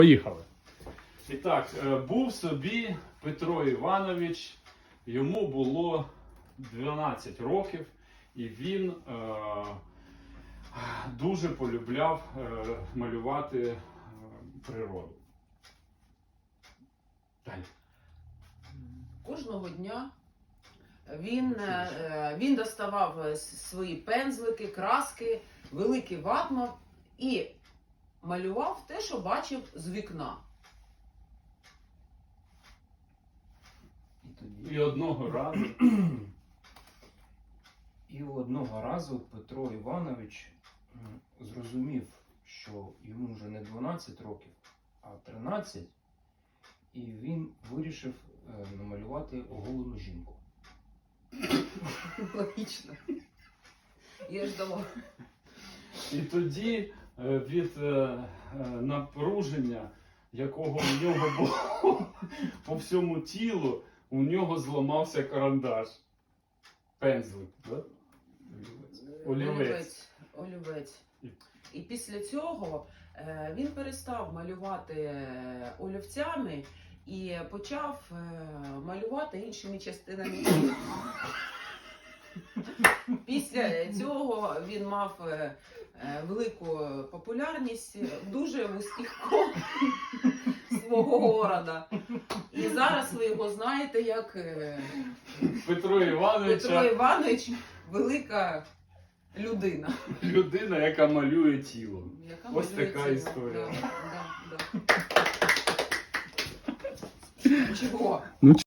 Поїхали. І так, був собі Петро Іванович, йому було 12 років, і він дуже полюбляв малювати природу. Далі. Кожного дня він доставав свої пензлики, краски, великий ватман і малював те, що бачив з вікна. І одного разу Петро Іванович зрозумів, що йому вже не 12 років, а 13, і він вирішив намалювати оголену жінку. Логічно. Я ж думала. І тоді від напруження, якого в нього було по всьому тілу, у нього зламався карандаш. Пензлик, да? Олівець. І після цього він перестав малювати олівцями і почав малювати іншими частинами тіла. Після цього він мав велику популярність в дуже вузьких колах свого города. І зараз ви його знаєте як Петро Іванович велика людина. Людина, яка малює тіло. Ось така тіло. історія. Да. Чого?